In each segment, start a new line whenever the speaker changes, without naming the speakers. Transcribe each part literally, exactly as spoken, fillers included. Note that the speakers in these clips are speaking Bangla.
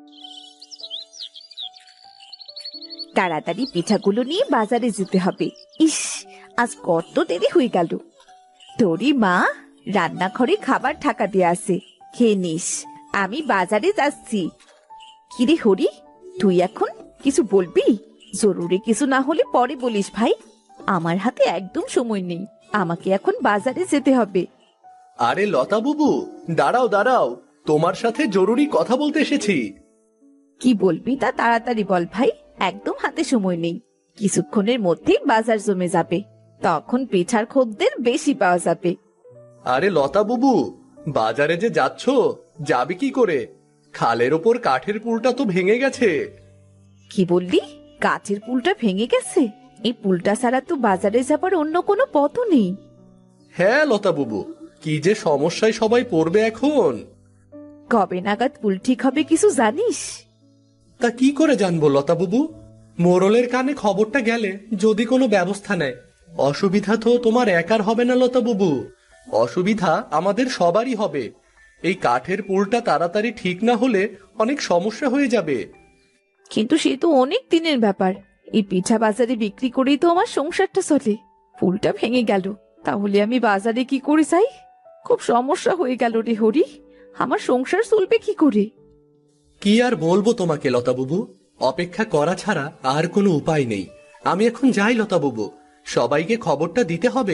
তাড়াতাড়ি পিঠাগুলো নিয়ে বাজারে যেতে হবে। ইস, আজ কত দেরি হয়ে গেল। তোরই মা রান্নাঘরে খাবার ঢাকা দিয়ে আছে, খেয়ে নিস। আমি বাজারে যাচ্ছি। কিরে হরি, তুই এখন কিছু বলবি? জরুরি কিছু না হলে পরে বলিস ভাই। আমার হাতে একদম সময় নেই, আমাকে এখন বাজারে যেতে হবে।
আরে লতা বুবু, দাঁড়াও দাঁড়াও, তোমার সাথে জরুরি কথা বলতে এসেছি।
কি বলবি তা তাড়াতাড়ি বল ভাই, একদম হাতে সময় নেই। কিছুক্ষণের মধ্যেই বাজার জমে যাবে, তখন পিঠার খদ্দের বেশি পাওয়া যাবে।
আরে লতা বুবু, বাজারে যে যাচ্ছ, যাবে কি করে? খালের ওপর কাঠের পুলটা তো ভেঙে গেছে।
কি বললি? কাঠের পুলটা ভেঙে গেছে? এই পুলটা ছাড়া তো বাজারে যাবার অন্য কোনো পথও নেই।
হ্যাঁ লতা বুবু, কি যে সমস্যায় সবাই পড়বে এখন।
কবে নাগাদ পুল ঠিক হবে কিছু জানিস?
তা কি করে জানবো লতা বুবু? মোড়লের কানে খবরটা গেলে যদি কোনো ব্যবস্থা নেয়। অসুবিধা তো তোমার একার হবে না লতা বুবু, অসুবিধা আমাদের সবারই হবে। এই কাঠের পুলটা তাড়াতাড়ি ঠিক না হলে অনেক সমস্যা হয়ে যাবে।
কিন্তু সে তো অনেক দিনের ব্যাপার। এই পিঠা বাজারে বিক্রি করেই তো আমার সংসারটা চলে। পুলটা ভেঙে গেল, তাহলে আমি বাজারে কি করে যাই? খুব সমস্যা হয়ে গেল রে হরি, আমার সংসার চলবে কি করে?
কি আর বলবো তোমাকে লতা বুবু, অপেক্ষা করা ছাড়া আর কোনো উপায় নেই। আমি এখন যাই লতা বুবু, সবাইকে খবরটা দিতে হবে।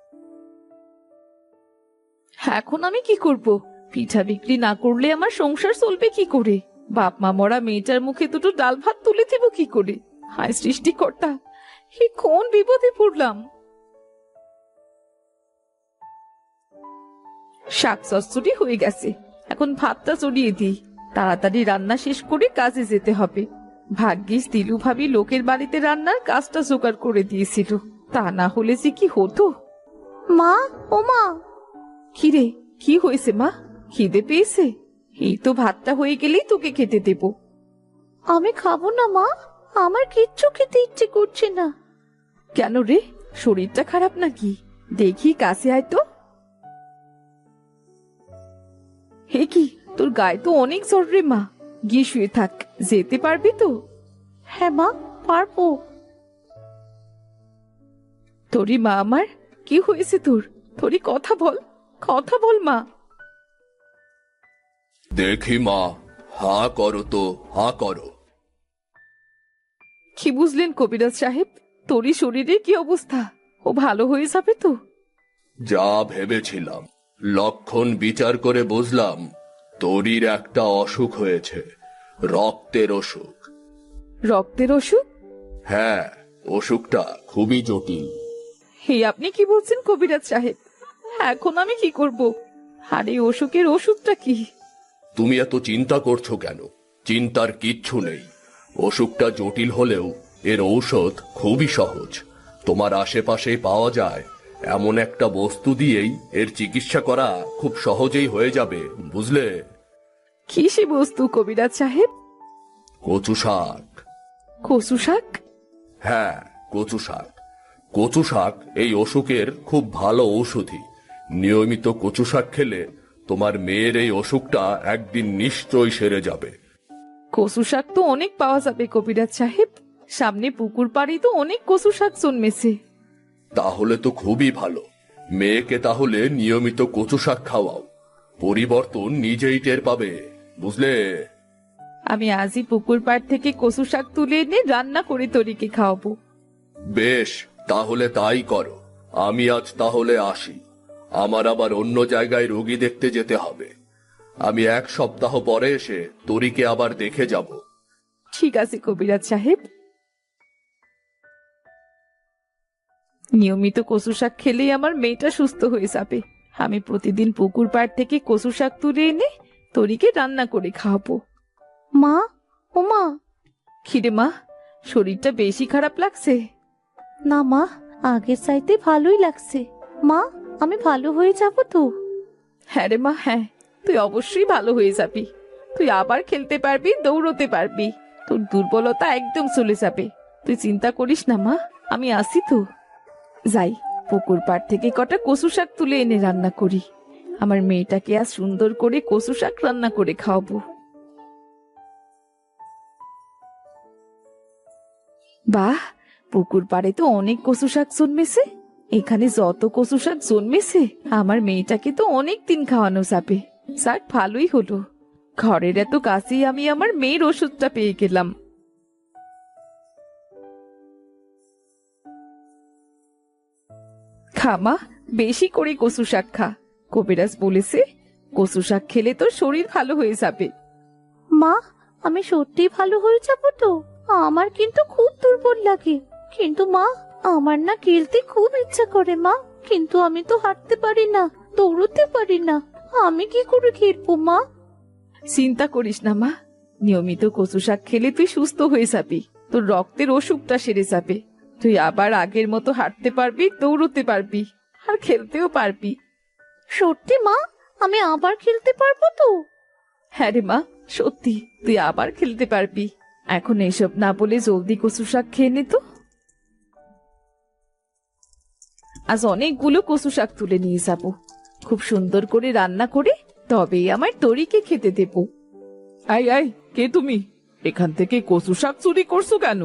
এখন আমি কি করব? পিঠা বিক্রি না করলে আমার সংসার চলবে কি করে? বাপ মা মরা মেয়েটার মুখে দুটো ডাল ভাত তুলে দেব কি করে? হায় সৃষ্টিকর্তা, এ কোন বিপদে পড়লাম! শাক চচ্চড়ি হয়ে গেছে, এখন ভাতটা চড়িয়ে দিই। তাড়াতাড়ি রান্না শেষ করে কাজে যেতে হবে। ভাগ্যিস দিলু ভাবি লোকের বাড়িতে রান্নার কাজটা জোগাড় করে দিয়েছিল, তা না হলে যে কি হতো। মা, ও মা! কিরে, কি হয়েছে মা? খিদে পেয়েছে? এই তো ভাতটা হয়ে গেলেই তোকে খেতে দেব। আমি খাবো না মা, আমার কিচ্ছু খেতে ইচ্ছে করছে না। কেন রে, শরীরটা খারাপ নাকি? দেখি কাছে আয় তো। হে কি, তোর গায়ে তো অনেক জ্বর রে মা, গিয়ে শুয়ে থাক। যেতে পারবি তো? হ্যাঁ মা, পারবো। তোরই মা আমার, কি হয়েছে তোর? তোরই কথা বল, কথা বল মা।
দেখি মা, হা করো তো, হা করো।
কি বুঝলেন কবিরাজ সাহেব? তোরই শরীরে কি অবস্থা? ও ভালো হয়ে যাবে তো?
যা ভেবেছিলাম, লক্ষণ বিচার করে বুঝলাম তোরই একটা অসুখ হয়েছে, রক্তের অসুখ।
রক্তের অসুখ?
হ্যাঁ, অসুখটা খুবই জটিল।
হে, আপনি কি বলছেন কবিরাজ সাহেব? এখন আমি কি করব? আর এই অসুখের ওষুধটা কি?
তুমি এত চিন্তা করছো কেন? চিন্তার কিচ্ছু নেই। অসুখটা জটিল হলেও এর ঔষধ খুবই সহজ। তোমার আশেপাশেই পাওয়া যায় এমন একটা বস্তু দিয়েই এর চিকিৎসা করা খুব সহজেই হয়ে যাবে, বুঝলে?
কি সে বস্তু কবিরাজ সাহেব?
কচু শাক।
কচু শাক?
হ্যাঁ, কচু শাক। কচু শাক এই অসুখের খুব ভালো ঔষধি। নিয়মিত কচু শাক খেলে তোমার মেয়ের এই অসুখটা একদিন নিশ্চয়ই সেরে যাবে।
কচু শাক তো অনেক পাওয়া যাবে কবিরাজ সাহেব, সামনে পুকুর পাড়ে তো অনেক কচু শাক জন্মেছে।
তাহলে তো খুবই ভালো। মেয়েকে তাহলে নিয়মিত কচু শাক খাওয়াও, পরিবর্তন নিজেই টের পাবে, বুঝলে?
আমি আজই পুকুর পাড় থেকে কচু শাক তুলে এনে রান্না করে তরিকে খাওয়াবো।
বেশ, তাহলে তাই করো। আমি আজ তাহলে আসি, আমার আবার অন্য জায়গায় রোগী দেখতে যেতে হবে। আমি এক সপ্তাহ পরে এসে তরিকে আবার দেখে যাব।
ঠিক আছে কবিরাজ সাহেব। নিয়মিত কচু শাক খেলেই আমার মেয়েটা সুস্থ হয়ে যাবে। আমি প্রতিদিন পুকুর পাড় থেকে কচু শাক তুলে এনে তরিকে রান্না করে খাওয়াবো। মা, ও মা! খিরে মা, শরীরটা বেশি খারাপ লাগছে? না মা, আগের চাইতে ভালোই লাগছে। মা, আমি ভালো হয়ে যাব তো? হ্যাঁ রে মা, হ্যাঁ, তুই অবশ্যই ভালো হয়ে যাবি। তুই আবার খেলতে পারবি, দৌড়তে পারবি, তোর দুর্বলতা একদম চলে যাবে। তুই চিন্তা করিস না মা, আমি আসি তো। যাই, পুকুর পাড় থেকে কটা কচু শাক তুলে এনে রান্না করি। আমার মেয়েটাকে আজ সুন্দর করে কচু শাক রান্না করে খাওয়াবো। বাহ, পুকুর পাড়ে তো অনেক কচু শাক জন্মেছে। এখানে যত কচু শাক জন্মেছে আমার মেয়েটাকে তো অনেক দিন খাওয়ানো যাবে। যাক, ভালোই হলো, ঘরের এত কাছেই আমি আমার মেয়ের ওষুধটা পেয়ে গেলাম। খামা, বেশি করে কচু শাক খা। কবিরাজ বলেছে কচু শাক খেলে তোর শরীর ভালো হয়ে যাবে।
মা, আমি সত্যি ভালো হয়ে যাবো তো? আমার কিন্তু খুব দুর্বল লাগে। কিন্তু মা, আমার না খেলতে খুব ইচ্ছা করে মা, কিন্তু আমি তো হাঁটতে পারি না, দৌড়তে পারি না। আমি কি করে খেলবো মা?
চিন্তা করিস না মা, নিয়মিত কচু শাক খেলে তুই সুস্থ হয়ে যাবি। তোর রক্তের অসুখটা সেরে যাবে। তুই আবার আগের মতো হাঁটতে পারবি, দৌড়তে পারবি, আর খেলতেও পারবি।
সত্যি মা, আমি আবার খেলতে পারবো তো?
হ্যাঁ রে মা, সত্যি তুই আবার খেলতে পারবি। এখন এসব না বলে জলদি কচু শাক খেয়ে নে তো। আজ অনেকগুলো কচু শাক তুলে নিয়ে যাবো, খুব সুন্দর করে রান্না করে তবেই আমার তরিকে খেতে দেব।
আই আই, কে তুমি? এখান থেকে কচু শাক চুরি করছো কেন?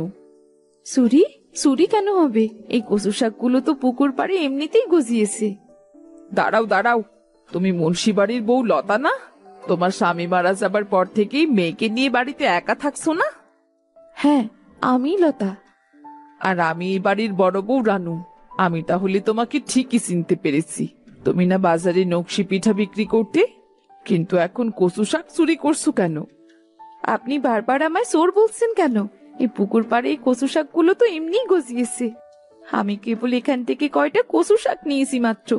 চুরি? চুরি কেন হবে? এই কচু শাকগুলো তো পুকুর পাড়ে এমনিতেই গজিয়েছে।
দাঁড়াও দাঁড়াও, তুমি মুন্সি বাড়ির বউ লতা না? তোমার স্বামী মারা যাবার পর থেকেই মেয়েকে নিয়ে বাড়িতে একা থাকছো না?
হ্যাঁ, আমি লতা।
আর আমি এই বাড়ির বড় বউ রানু। আমি তাহলে তোমাকে ঠিকই চিনতে পেরেছি। তুমি না বাজারে নকশি পিঠা বিক্রি করতে, কিন্তু এখন কচু শাক চুরি করছো কেন?
আপনি বারবার আমায় চোর বলছেন কেন? এই পুকুর পাড়ে এই কচু শাকগুলো তো এমনিই গজিয়েছে। আমি কেবল এখান থেকে কয়টা কচু শাক নিয়েছি মাত্র।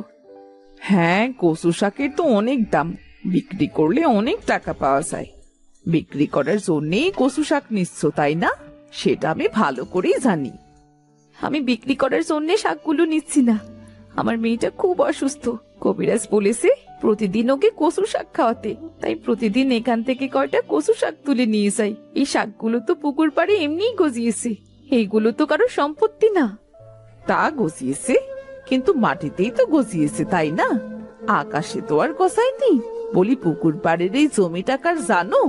হ্যাঁ, কচু শাকের তো অনেক দাম, বিক্রি করলে অনেক টাকা পাওয়া যায়। বিক্রি করার জন্যেই কচু শাক নিচ্ছ, তাই না? সেটা আমি ভালো করেই জানি।
আমি বিক্রি করার জন্য শাকগুলো নিচ্ছি না। আমার মেয়েটা খুব অসুস্থ। কবিরাজ বলেছে প্রতিদিন ওকে কচু শাক খাওয়াতে, তাই প্রতিদিন এখান থেকে কয়টা কচু শাক তুলে নিয়ে যাই। এই শাকগুলো তো পুকুর পাড়ে এমনিই গজিয়েছে, এইগুলো তো কারো সম্পত্তি না।
তা গজিয়েছে, কিন্তু মাটিতেই তো গজিয়েছে, তাই না? আকাশে তো আর গজায়নি। বলি, পুকুর পাড়ের এই জমিটা কার জানো?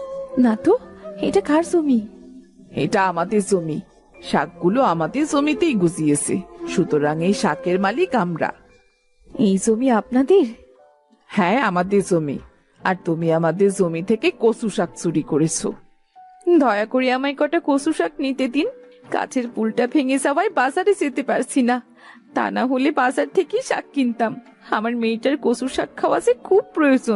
না তো, এটা কার জমি?
এটা আমাদের জমি। শাকগুলো আমাদের জমিতেই গজিয়েছে, সুতরাং এই শাকের মালিক আমরা।
এই জমি আপনাদের?
হ্যাঁ, আমাদের জমি। আর তুমি আমাদের জমি থেকে কচু শাক চুরি করেছো।
দয়া করে আমায় কটা কচু শাক নিতে দিন। গাছের পুলটা ভেঙে যাওয়ায় বাজারে যেতে পারছি না, তা না হলে বাজার থেকেই শাক কিনতাম। আমার মেয়েটার কচু শাক খাওয়া যে খুব প্রয়োজন।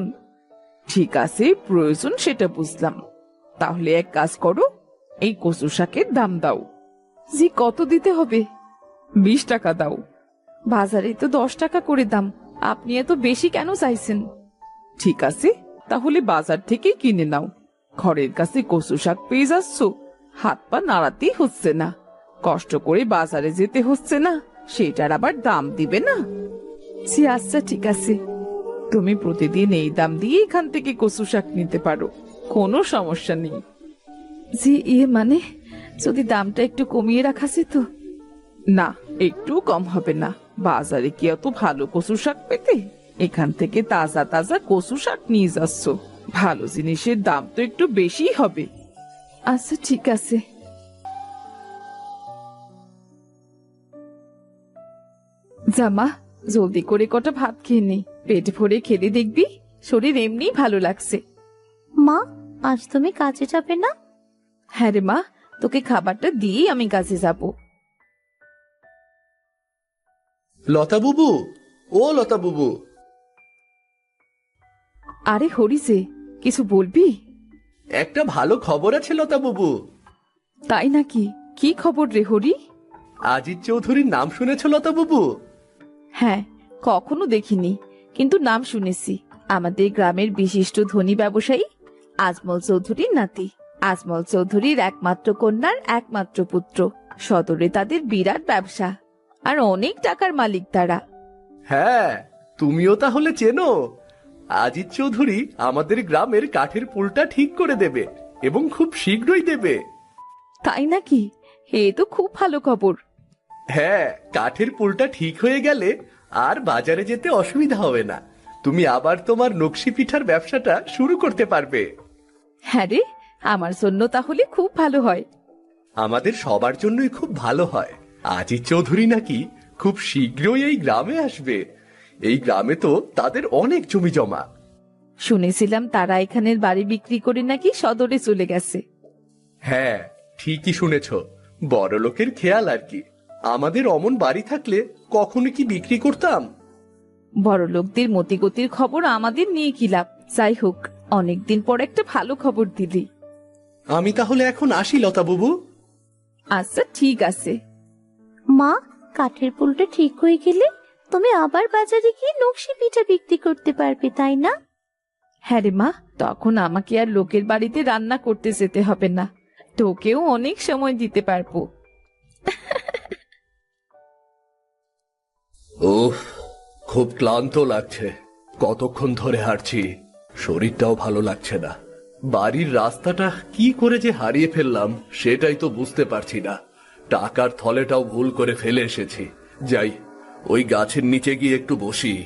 ঠিক আছে, প্রয়োজন সেটা বুঝলাম। তাহলে এক কাজ করো, এই কচু শাকের দাম দাও।
জি, কত দিতে হবে?
বিশ টাকা দাও।
বাজারে তো দশ টাকা করে দাম, আপনি এত বেশি কেন চাইছেন?
ঠিক আছে, তাহলে বাজার থেকে কিনে নাও। ঘরের কাছে কচু শাক পেয়ে যাচ্ছ, হাত পা নাড়াতেই হচ্ছে না, কষ্ট করে বাজারে যেতে হচ্ছে না, সেটার আবার দাম দিবে না?
জি আচ্ছা, ঠিক আছে।
তুমি প্রতিদিন এই দাম দিয়ে এখান থেকে কচু শাক নিতে পারো, কোনো সমস্যা নেই।
জি, ইয়ে মানে যদি দামটা একটু কমিয়ে রাখা যেত।
না, একটু কম হবে না। বাজারে কি এত ভালো কচু শাক পেতে? এখান থেকে তাজা তাজা কচু শাক নিয়ে যাচ্ছ, ভালো জিনিসের দাম তো একটু বেশি হবে।
আচ্ছা ঠিক আছে। জামা, জলদি করে কটা ভাত খেয়ে নে, পেট ভরে খেলে দেখবি শরীর এমনি ভালো লাগছে।
মা, আজ তুমি কাজে যাবে না?
হ্যাঁ রে মা, তোকে খাবারটা দিয়েই আমি কাজে যাব।
লতা বুবু, ও লতা বুবু।
আরে হরিছে, কিছু বলবি?
একটা ভালো খবর আছে লতা বুবু।
তাই নাকি? কি খবর রে হরি?
আজিজ চৌধুরীর নাম শুনেছ লতা বুবু?
হ্যাঁ, কখনো দেখিনি, কিন্তু নাম শুনেছি। আমাদের গ্রামের বিশিষ্ট ধনী ব্যবসায়ী আজমল চৌধুরীর নাতি। আজমল চৌধুরীর একমাত্র কন্যার একমাত্র পুত্র। সদরে তাদের বিরাট ব্যবসা, আর অনেক টাকার মালিক তারা।
হ্যাঁ, তুমিও তাহলে চেনো? আজিজ চৌধুরী আমাদের গ্রামের কাঠের পুলটা ঠিক করে দেবে, এবং খুব শীঘ্রই দেবে।
তাই নাকি? এ তো খুব ভালো খবর।
হ্যাঁ, কাঠের পুলটা ঠিক হয়ে গেলে আর বাজারে যেতে অসুবিধা হবে না। তুমি আবার তোমার নকশি পিঠার ব্যবসাটা শুরু করতে পারবে।
হ্যাঁ রে, আমার জন্য তাহলে খুব ভালো হয়।
আমাদের সবার জন্যই খুব ভালো হয়। আজিজ চৌধুরী নাকি খুব শীঘ্রই এই গ্রামে আসবে। এই গ্রামে তো তাদের অনেক জমি জমা।
শুনেছিলাম তারা এখানের বাড়ি বিক্রি করে নাকি সদরে চলে গেছে।
হ্যাঁ, ঠিকই শুনেছ। বড়লোকের খেয়াল আর কি। আমাদের অমন বাড়ি থাকলে কখনো কি বিক্রি করতাম?
বড় লোকদের মতিগতির খবর আমাদের নিয়ে কি লাভ? যাই হোক, অনেকদিন পর একটা ভালো খবর দিলি।
আমি তাহলে এখন আসি লতা বাবু।
আচ্ছা, ঠিক আছে।
মা, কাঠের পুলটা ঠিক হয়ে গেলে তুমি আবার বাজারে গিয়ে নকশি পিঠা বিক্রি করতে পারবে, তাই না?
হ্যাঁ রে মা, তখন আমাকে আর লোকের বাড়িতে রান্না করতে যেতে হবে না। তোকেও অনেক সময় দিতে পারবো।
ওহ, খুব ক্লান্ত লাগছে। কতক্ষণ ধরে হাঁটছি, শরীরটাও ভালো লাগছে না। বাড়ির রাস্তাটা কি করে যে হারিয়ে ফেললাম সেটাই তো বুঝতে পারছি না। টাকার থলেটাও ভুল করে ফেলে এসেছি। যাই, ওই গাছের নিচে গিয়ে একটু বসি।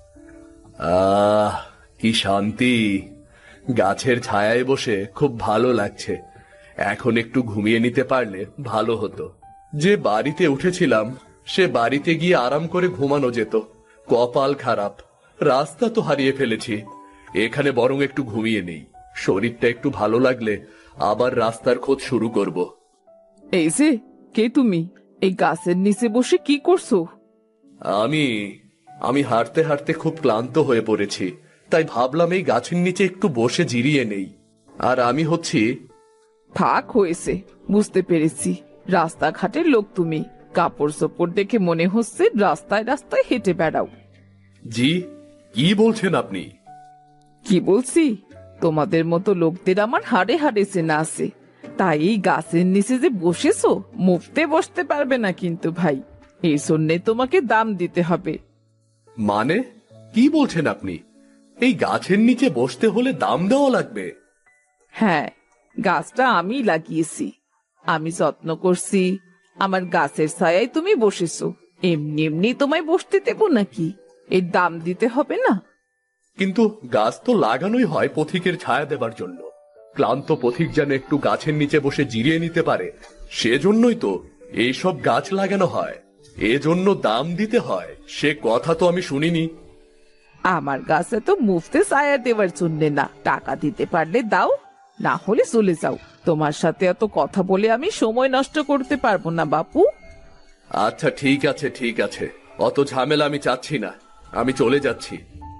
আহ, কি শান্তি! গাছের ছায়ায় বসে খুব ভালো লাগছে। এখন একটু ঘুমিয়ে নিতে পারলে ভালো হতো। যে বাড়িতে উঠেছিলাম সে বাড়িতে গিয়ে আরাম করে ঘুমানো যেত। কপাল খারাপ, রাস্তা তো হারিয়ে ফেলেছি। এখানে বরং একটু ঘুমিয়ে নেই। শরীরটা একটু ভালো লাগলে আবার রাস্তার খোঁজ শুরু করব।
এই যে, কে তুমি? এই গাছের নিচে বসে কি করছো?
আমি আমি হাঁটতে হাঁটতে খুব ক্লান্ত হয়ে পড়েছি, তাই ভাবলাম এই গাছের নিচে একটু বসে জিরিয়ে নেই। আর আমি হচ্ছি...
থাক, হয়েছে, বুঝতে পেরেছি। রাস্তাঘাটের লোক তুমি। কাপড় চোপড় দেখে মনে হচ্ছে রাস্তায় রাস্তায় হেঁটে বেড়াও।
জি, কি বলছেন আপনি?
কি বলছি? তোমাদের মতো লোকদের আমার হাড়ে হাড়ে চেনা আছে। তাই এই গাছের নিচে যে বসেছো, মুফতে বসতে পারবে না কিন্তু ভাই। এই জন্যে তোমাকে দাম দিতে হবে।
মানে কি বলছেন আপনি? এই গাছের নিচে বসতে হলে দাম দেওয়া লাগবে?
হ্যাঁ, গাছটা আমি লাগিয়েছি, আমি যত্ন করছি। আমার গাছের ছায়ায় তুমি বসেছো, এমনি এমনি তোমায় বসতে দেবো নাকি? এর দাম দিতে হবে না?
কিন্তু গাছ তো লাগানোই হয় পথিকের ছায়া দেবার জন্য। ক্লান্ত পথিক যেন একটু গাছের নিচে বসে জিরিয়ে নিতে পারে, সেজন্যই তো এইসব গাছ লাগানো হয়। এজন্য দাম দিতে হয়, সে কথা তো আমি শুনিনি।
আমার গাছে তো মুফতে ছায়া দেওয়ার জন্য না, টাকা দিতে পারলে দাও, না হলে চলে যাও। তোমার সাথে এত কথা বলে আমি সময় নষ্ট করতে পারবো না বাপু।
আচ্ছা, ঠিক আছে ঠিক আছে, অত ঝামেলা আমি চাচ্ছি না, আমি চলে যাচ্ছি।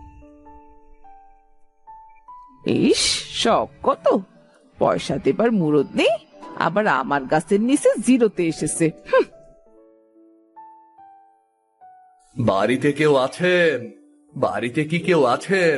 ইস, সব কত! পয়সা দেবার মুরদ নেই, আবার আমার গাছের নিচে জিরোতে এসেছে। হুঁ।
বাড়িতে কেউ আছেন? বাড়িতে কি কেউ আছেন?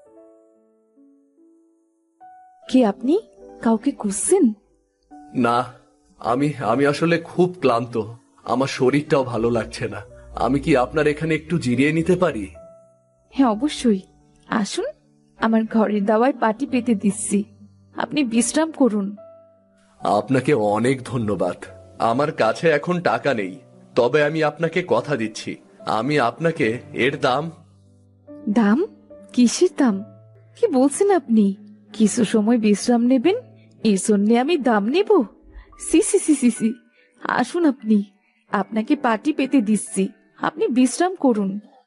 কে আপনি? কাউকে খুঁজছেন?
না, আমি আমি আসলে খুব ক্লান্ত। আমার শরীরটাও ভালো লাগছে না। আমি কি আপনার এখানে একটু জিরিয়ে নিতে পারি?
হ্যাঁ, অবশ্যই। আসুন, আমার ঘরের দাওয়ায় পাটি পেতে দিচ্ছি, আপনি বিশ্রাম করুন।
আপনাকে অনেক ধন্যবাদ। আমার কাছে এখন টাকা নেই, তবে আমি আপনাকে কথা দিচ্ছি, আমি আপনাকে এর দাম...
দাম? কিসের দাম? কি বলছেন আপনি? কিছু সময় বিশ্রাম নেবেন, এই জন্যে আমি দাম নেব? সি সি সি সি সি আসুন, আপনি, আপনাকে পাটি পেতে দিচ্ছি, আপনি বিশ্রাম করুন।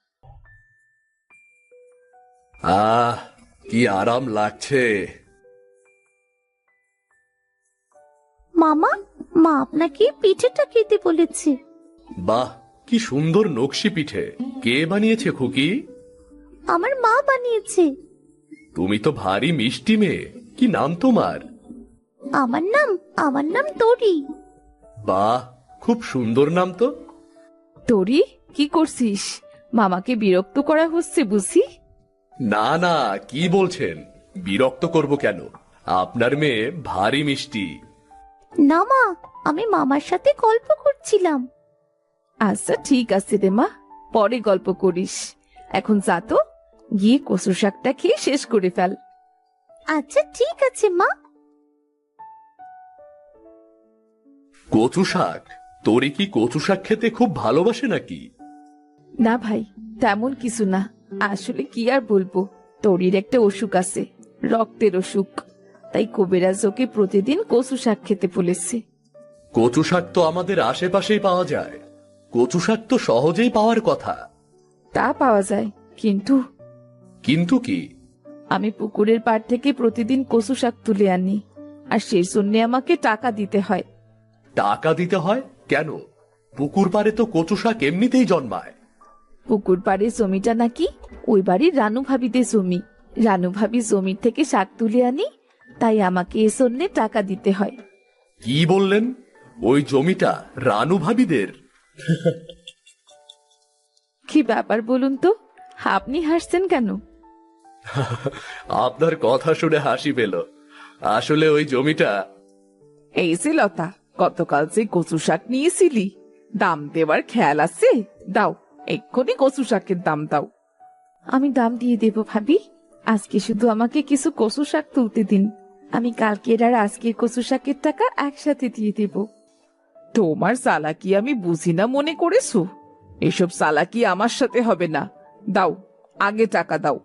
আহ, কি আরাম লাগছে।
মামা, মা আপনাকে পিঠেটা খেতে বলেছে।
বাহ, কি সুন্দর নকশি পিঠে! কে বানিয়েছে খুকি?
আমার মা বানিয়েছে।
তুমি তো ভারী মিষ্টি মেয়ে। কি নাম তোমার?
আমার নাম আমার নাম তরি।
বাহ, খুব সুন্দর নাম তো।
তোরি, কি করছিস? মামাকে বিরক্ত করা হচ্ছে বুঝি?
না না, কি বলছেন? বিরক্ত করব কেন? আপনার মেয়ে ভারী মিষ্টি।
না মা, আমি মামার সাথে গল্প করছিলাম।
আচ্ছা, ঠিক আছে রে মা, পরে গল্প করিস। এখন যা তো, গিয়ে কচু শাকটা খেয়ে শেষ করে ফেল।
আচ্ছা, ঠিক আছে মা।
কচু শাক? তোরে কি কচু শাক খেতে খুব ভালোবাসে নাকি?
না ভাই, তেমন কিছু না। আসলে কি আর বলবো, তোরির একটা অসুখ আছে, রক্তের অসুখ। তাই কবিরাজ ওকে প্রতিদিন কচু শাক খেতে বলেছে।
কচু শাক তো আমাদের আশেপাশেই পাওয়া যায়। কচু শাক তো সহজেই পাওয়ার কথা।
তা পাওয়া যায়, কিন্তু
কিন্তু কি?
আমি পুকুরের পাড় থেকে প্রতিদিন কচু শাক তুলে আনি, আর সেই জন্য আমাকে টাকা দিতে হয়।
টাকা দিতে হয় কেন? পুকুর পাড়ে তো কচু শাক এমনিতেই জন্মায়।
পুকুর পাড়ের জমিটা নাকি ওই বাড়ির রানু ভাবিদের জমি। রানু ভাবি জমির থেকে শাক তুলে আনি, তাই আমাকে এ জন্য টাকা দিতে হয়।
কি বললেন? ওই জমিটা রানু ভাবিদের?
কি ব্যাপার বলুন তো, আপনি হাসছেন কেন?
আপনার কথা শুনে হাসি পেল। আসলে ওই জমিটা
এই যে লতা, গতকাল যে কচু শাক নিয়েছিলি, দাম দেওয়ার খেয়াল আছে? দাও, এক্ষুনি কচু শাকের দাম দাও।
আমি দাম দিয়ে দেব ভাবি। আজকে শুধু আমাকে কিছু কচু শাক তুলতে দিন, আমি কালকের আর আজকের কচু শাকের টাকা একসাথে দিয়ে দেব।
তোমার চালাকি আমি বুঝি না মনে করেছো? এসব চালাকি আমার সাথে হবে না। দাও, আগে টাকা দাও।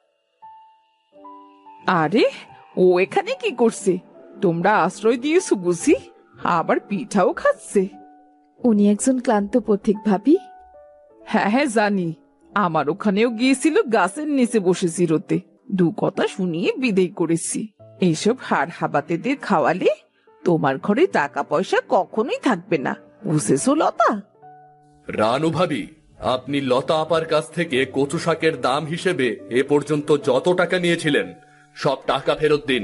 আরে, ও এখানে কি করছে? তোমরা আশ্রয় দিয়েছো বুঝি? আবার পিঠাও খাচ্ছে।
উনি একজন ক্লান্ত পথিক ভাবি।
হ্যাঁ হ্যাঁ জানি, আমার ওখানেও গিয়েছিল গাছের নিচে বসে চিরতে। দু কথা শুনিয়ে বিদেয় করেছি। এইসব হাড় হাবাতেদের খাওয়ালে তোমার ঘরে টাকা পয়সা কখনোই থাকবে না, বুঝেছো লতা?
রানু ভাবি, আপনি লতা আপার কাছ থেকে কচু শাকের দাম হিসেবে এ পর্যন্ত যত টাকা নিয়েছিলেন সব টাকা ফেরত দিন।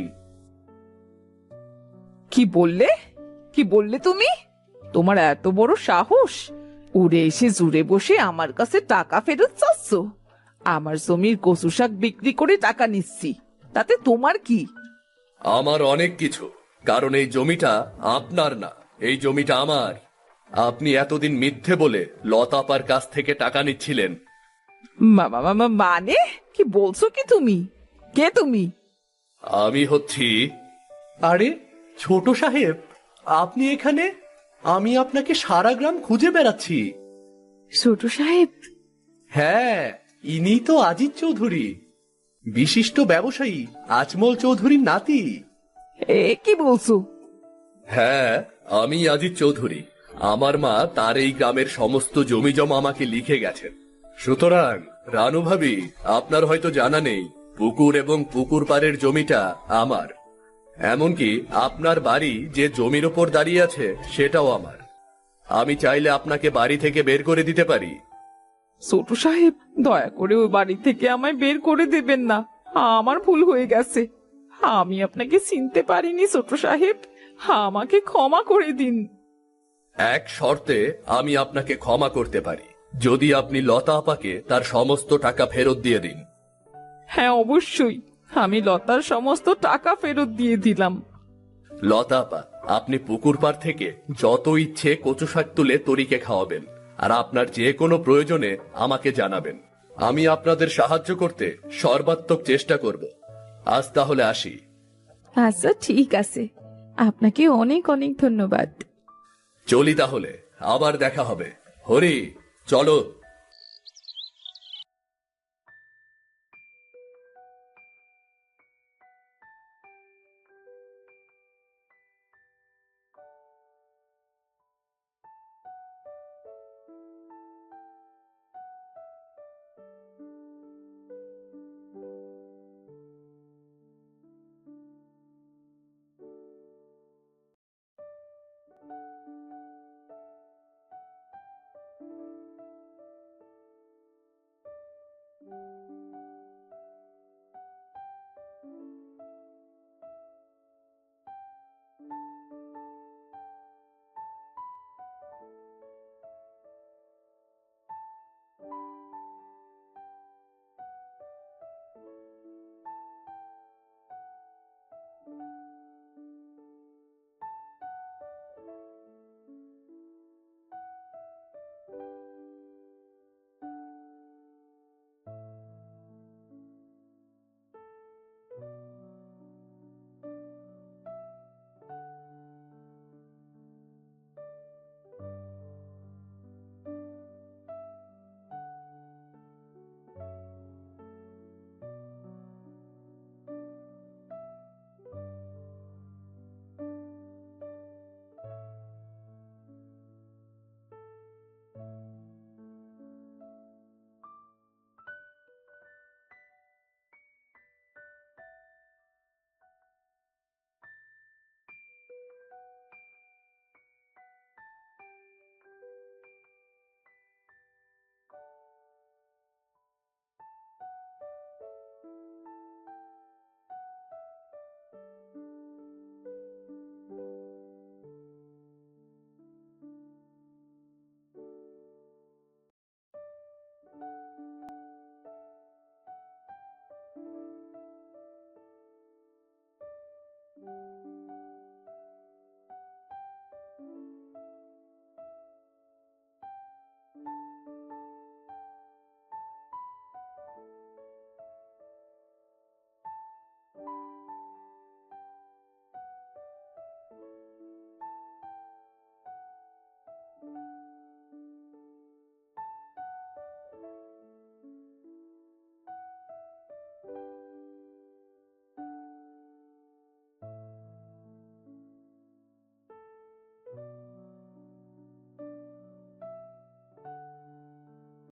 কি বললে? কি বললে তুমি? তোমার এত বড় সাহস! উড়ে এসে জুড়ে বসে আমার কাছে টাকা ফেরত চাচ্ছ? আমার জমির কচু শাক বিক্রি করে টাকা নিচ্ছি, তাতে তোমার কি?
আমার অনেক কিছু, কারণ এই জমিটা আপনার না, এই জমিটা আমার। আপনি এতদিন মিথ্যে বলে লতা আপার কাছ থেকে টাকা নিচ্ছিলেন।
মা- মা- মা- মানে কি বলছো কি তুমি? কে তুমি?
আমি হচ্ছি... আরে ছোট সাহেব, আপনি এখানে? আমি আপনাকে সারা গ্রাম খুঁজে বেড়াচ্ছি।
ছোট সাহেব?
হ্যাঁ, ইনি তো আজিজ চৌধুরী, বিশিষ্ট ব্যবসায়ী আজমল চৌধুরীর নাতি।
এ কি বলছো?
হ্যাঁ, আমি আজিজ চৌধুরী। আমার মা তার এই গ্রামের সমস্ত জমি জমা আমাকে লিখে গেছেন। সুতরাং রানু ভাবি, আপনার হয়তো জানা নেই, পুকুর এবং পুকুর পাড়ের জমিটা আমার। এমনকি আপনার বাড়ি যে জমির ওপর দাঁড়িয়ে আছে সেটাও আমার। আমি চাইলে আপনাকে বাড়ি থেকে বের করে দিতে পারি।
ছোট সাহেব, দয়া করে ওই বাড়ি থেকে আমায় বের করে দেবেন না। আমার ভুল হয়ে গেছে, আমি আপনাকে চিনতে পারিনি ছোট সাহেব, আমাকে ক্ষমা করে দিন।
এক শর্তে আমি আপনাকে ক্ষমা করতে পারি, যদি আপনি লতা আপাকে তার সমস্ত টাকা ফেরত দিয়ে দিন।
হ্যাঁ অবশ্যই, আমি লতার সমস্ত টাকা ফেরত দিয়ে দিলাম।
লতা আপা, আপনি পুকুর পাড় থেকে যত ইচ্ছে কচু শাক তুলে তরিকে খাওয়াবেন, আর আপনার যে কোনো প্রয়োজনে আমাকে জানাবেন। আমি আপনাদের সাহায্য করতে সর্বাত্মক চেষ্টা করব। আজ তাহলে আসি।
আচ্ছা ঠিক আছে, আপনাকে অনেক অনেক ধন্যবাদ।
চলি তাহলে, আবার দেখা হবে। হরি, চলো।